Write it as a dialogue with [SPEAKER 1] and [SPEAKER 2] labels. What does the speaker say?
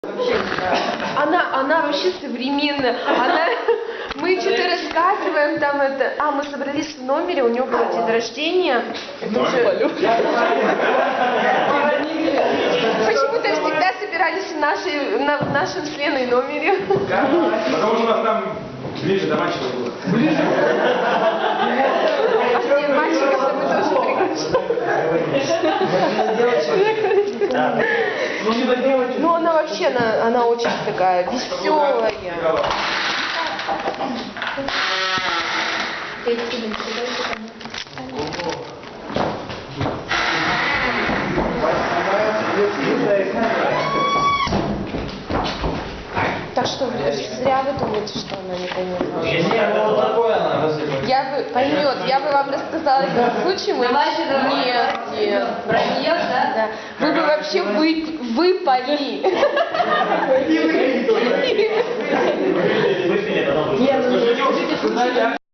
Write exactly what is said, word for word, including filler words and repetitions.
[SPEAKER 1] Она, она вообще современная. Она, мы что-то рассказываем там это. А, мы собрались в номере, у нее был день рождения. Это уже... Почему-то всегда собирались в, нашей, на, в нашем с Леной номере.
[SPEAKER 2] Потому что у нас там ближе до мальчиков было. Ближе?
[SPEAKER 1] А все мальчиков мы тоже приглашаем. Ну она вообще, она, она очень такая веселая. Так что зря вы думаете, что она не поймет. Я бы поймет, я бы вам рассказала этот случай. Мы... Нет, нет.
[SPEAKER 3] Про нее, да?
[SPEAKER 1] Да. Вы бы вообще вы, выпали.